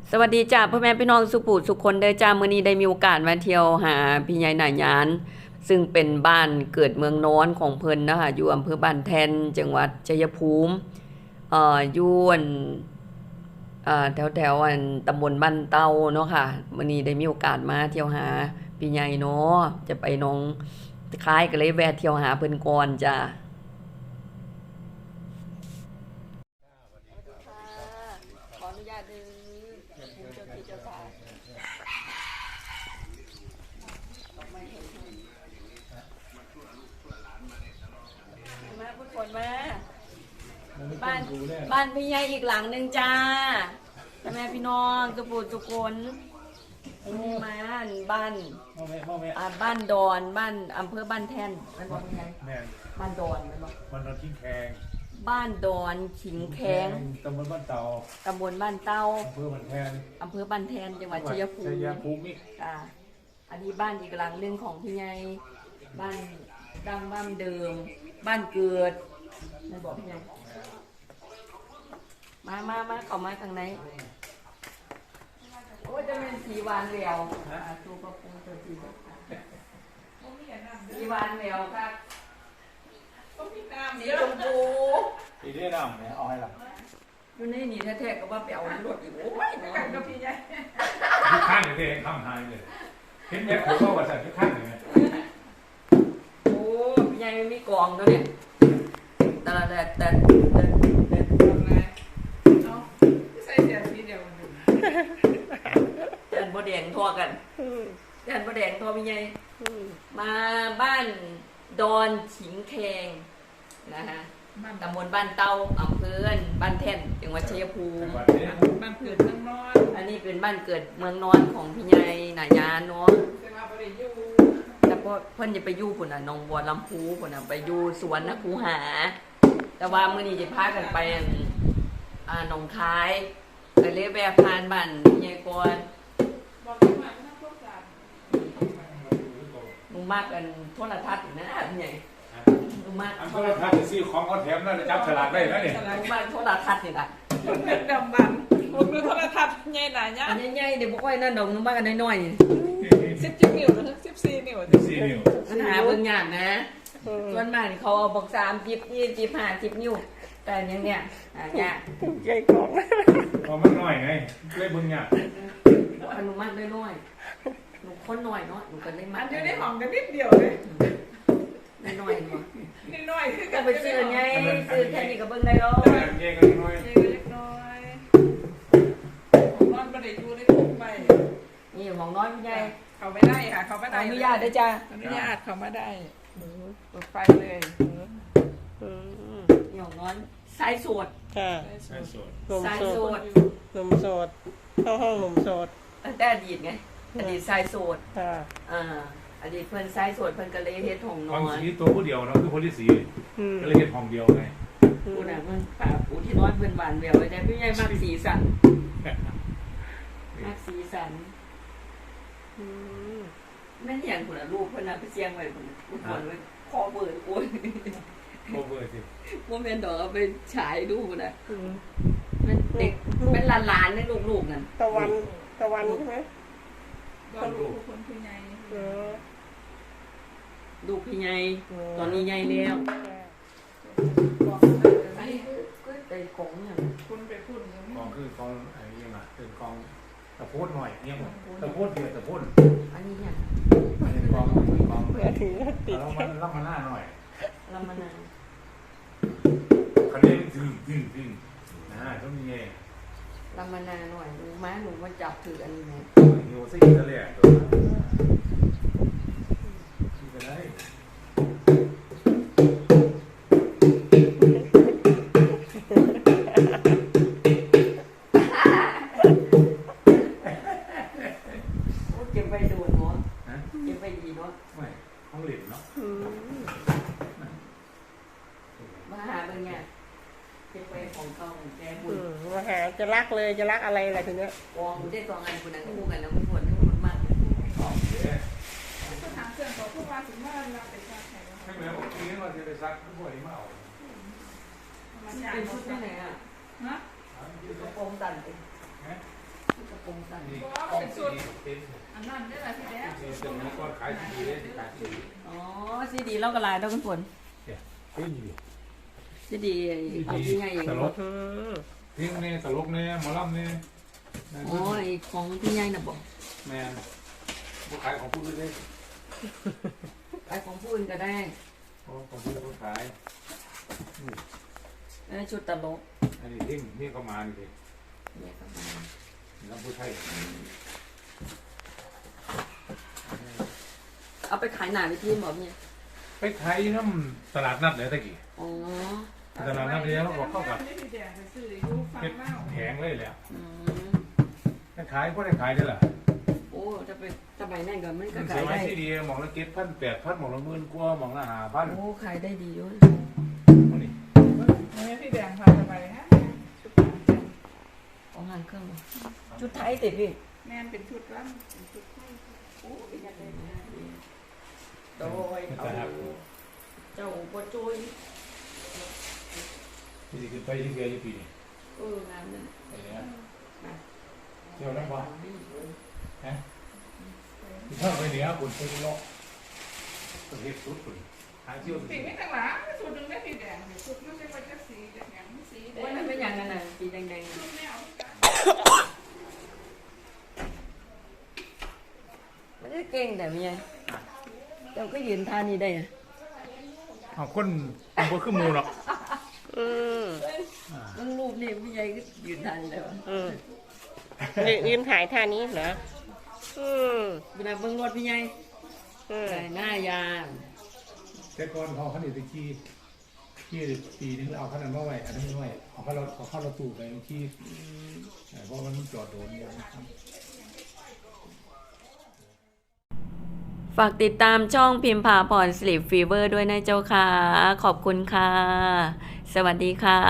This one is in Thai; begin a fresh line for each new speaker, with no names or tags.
สวัสดีจ้าพ่อแม่พี่น้องสุขุสุขคนเด้อจ้ามื้อนี้ได้มีโอกาสมาเที่ยวหาพี่ใหญ่หน่ายยานซึ่งเป็นบ้านเกิดเมืองนอนของเพิ่นนะคะอยู่อำเภอบ้านแท่นจังหวัดชัยภูมิอยู่อันแถวอันตำบลบ้านเต้าเนาะค่ะมื้อนี้ได้มีโอกาสมาเที่ยวหาพี่ใหญ่เนาะจะไปหนองคายก็เลยแวะเที่ยวหาเพิ่นก่อนจ้าขออนุญาตดึงผู้เจ้าที่เจ้าทางมาพูดคนมาบ้านพี่ใหญ่อีกหลังหนึ่งจ้าพ่อแม่พี่น้องทุกคนนี่มาบ้านบ้านดอนบ้านอำเภอบ้านแท่นมันบอกยังไงบ้านดอนมันบอก
บ้านดอนขิงแขง
บ้านดอนขิงแขง
ตำบลบ้านเตา
ตำบลบ้านเต้า
อำเภอบ้านแทน
จังหวัดชัยภูมิค่ะอันนี้บ้านอีกหลังหนึ่งของพี่ใหญ่บ้านดังบ้านเดิมบ้านเกิดไม่บอกพี่ใหญ่มาเข้ามาทางไหนโอ้จะเป็นสีหวานเหลวตัวกระปุกตัวสีหวานเหลวครับสีชมพู
สีเรียดำเนี่ยเอาให้หลับ
อยู่ในนี่แท้ๆก็ว่าไปเอารถอยู่โอ้ยกันกับพี่ใหญ่
ที่ข้างเนี่ยทำหายเลยเห็นแม่ผมก็ว่าใส่ที่ข้างเนี่ย
โอ้พี่ใหญ่ไม่มีกองตัวเนี่ยแต่
ใส่เสียทีเดียว
แดนบ่แดงทั่วกันแดนบ่แดงทั่วพี่ใหญ่มาบ้านดอนขิงแขงนะฮะตำบลบ้านเต้าอำเภอบ้านแท่นจังหวัดชัยภูมิ
บ้านเกิดเมืองนอน
อันนี้เป็นบ้านเกิดเมืองนอนของพี่ใหญ่หน่ายยานเนาะแต่พอเพิ่นจะไปอยู่พุ่นน่ะหนองบัวลำพูพุ่นน่ะไปอยู่สวนนะคูหาแต่ว่ามื้อนี้จะพากันไปหนองคายไปเลยแวะผ่านบ้านพี่ใหญ่ก่อนหนูมากกันโทรทัศน์นะพี่ใหญ่หนูมาก
โทรทัศน์ซื้อของเขาแถมนั่นจับฉลากได้แล้วเนี่ย
หนูมากโทรทัศน์นี่ล่ะ
เป็นดำบันผมดูโทรทัศน์ใหญ่หนาเนี่ย
อันใหญ่ๆเดี๋ยวบ่ค่อยนั่นดอกหนูมากกันน้อย
17 นิ้วถึง14 นิ้ว
ปัญหาเบิ่งยากนะส่วนมากเขาเอาบอก30 20 50 นิ้วแต่ยังเนี่ยยาก
ใหญ่กอง
พอมันน้อยไงเลยเบิ่งยาก
อนุมัติน้อยหนูคนน้อยเนาะหนูก็เลยมัด
อยู่ในห้องกันนิดเดียวเลย
น้อยเนาะ
น้อยคือ
ก็ไปซื้อไงซื้อแค่นี้ก็เบิ่งได้แล้ว
เย่ก็น้อย
เล็กน้อยนอนบ่ได้อยู่ได้ทุกไป
นี่ของน้อยพี่ใหญ่
เข้าไม่ได้ค่ะเข้าไม่ได้
อนุญาตด้วยจ้า
อนุญาตเข้ามาได้เปิดไฟเลย
นี่ของน้อยสายโสด
ค่ะ
สายโสด
หนุ่มโสดเข้าห้องหนุ่มโสด
ตั้งแต่อดีตไงอดีตสายโสด
ค่ะ
อดีตเพิ่นสายโสดเพิ่นก็เลยเฮ็ดห้องนอน
สีตัวผู้เดียวเนาะคือคนที่4ก็เลยเฮ็ดห้องเดียวไง
ผู้น่ะมันป้าผู้ที่นอนเพิ่นหวานแววไว้ได้พี่ใหญ่มากสีสันมากสีสันแม่นอย่างพุ่นน่ะลูกเพิ่นน่ะไปเสียงไว้พุ่นลูกคนไว้คอเบิดโอ้ย
โคเวอร์สิ
บ่แม่นดอกเอาไปฉายดูพุ่นน่ะมันเด็กเป็นหลานๆในลูกๆนั่น
ตะวันใช่ไหม
ลูกคนพี่ใหญ่
ลูกพี่ใหญ่ตอนนี้ใหญ่แล้วอันนี้คือไอ้ของเนี่ย
คุณไปพูด
กองคือกองอะไรยังไงเป็นกองตะโพดหน่อยเนี่ยตะโพดเดียวตะโพด
อันนี้เนี่ย
อันนี้กอง
เพื่อถือติด
แล้วมันรับมาหน้าหน่อย
รับมาหน้า
คันนี้ดึงต้องมีไง
รับมาหน้าหน่อยม้าหนูมาจับถืออันนี้ไหม
โยซิกทะเลตัวที่ไปได้
เก็บไปดูเนาะเก็บไปดีเนาะ
ไม่ห้องเหรียญเนาะ
มาหาเป็นไงเก็บไปของเก่าของแกบุญ
มาหาจะรักเลยจะรักอะไรอะไรทีเนี้ย
กองได้กองอันคนนั้นคู่กันนะไม่ควรมาก
สถานเสื่อมของผู้ว่าถึงว่าเราไปซักใคร
ไม่เหมือนผมคิดว่าจะไปซักผู้ป่วยมาเอา
เป็นชุดที่ไหนอ่ะ
ฮะ
กระโปรงตันเอง
กระโป
งสั่น
นี่กล้องสีเป็น
อันนั้นได้แหละพี่แดง
นี่เป็นมังกรขายสีเลยขายสี
อ๋อซีดีเล่ากระลายเท่ากันฝน
เนี่ยเป็นอยู่
ซีดีเอาที่ไงเอง
ตลก
อืม
เพลงเนี่ยตลกเนี่ยหมอลำเนี่ย
อ๋อไอของพี่ใหญ่น่ะบอก
แม่ผู้ขายของผู้เล่น
ไอของผู้อื่นก็ได้
ของผู้ขาย
ไอชุดตลก
อันนี้ทิ้งนี่ก็มานี่สิ
เนี่ยก็มา
แล้วผู้ไทย
เอาไปขายหนาวิธีบอกเนี่ย
ไปขายน้ำตลาดนัดเลยตะกี้
อ๋อ
ตลาดนัดเนี่ยเราบอกเข้ากับ
พี่แดงไปซื้ออยู่ฝั่ง
เก็บ
เล่า
แผงเลยแหละ
อืม
ขายก็ได้ขายได้แหละ
โอ้จะไปสมัยนั้นก็มันก็
มัน
ขา
เสี
ย
ยไว้
ได้
ที่ดีหมองละ7,000 8,000หมองละ10,000กว่าหมองละ5,000
โอ้ขายได้ดีด้วย
นี่
ให้พี่แดงพาไปฮะ
ของงานเครื่องชุดไทยติดพี่
แม่นเป็นชุดร่ำเป็นชุดไทยโอ้ยยังไง
โดยเอาเจ้าบัวโจย
ที่สิขึ้นไปที่เกียร์อยู่ปีนี้
งานนั้น
ไอ้เนี่ยเที่ยวได้บ่ฮะที่เท่าไปเหนือคุณไปเลาะประเทศสุดคุณหาเที่ยว
ปีไม่ต่างหลังชุดหนึ่งได้พี่แดงชุดมันเป็นวันจะสีจากอย่างสีแด
โอ้ย
ง
มันเป็นอย่างนั้นน่ะสีแดง
ชุดแนว
ๆมันจะเก่งแต่ไม่ยังเจ้าก็ยืนท่านี้ได้อะ
เอาคนมันก็คือหมูหรอก
อืม
มันรูปนี่พี่ใหญ่ก็ยืนท่านี้ได้วะ
อืมยืนถ่ายท่านี้เหรออืม
เวลาเบิ่งรถพี่ใหญ่
อืม
ใส่หน้ายาง
แต่ก่อนเขาขันอีกขี่ปีนึงเอาขนาดมาไว้อันนี้ไม่ไว้เอาเข้ารถตู้ไปขี่เพราะมันจอดโดนอย่างนี้
ฝากติดตามช่องพิมพาพรสลีปฟีเวอร์ด้วยนะเจ้าค่ะ ขอบคุณค่ะ สวัสดีค่ะ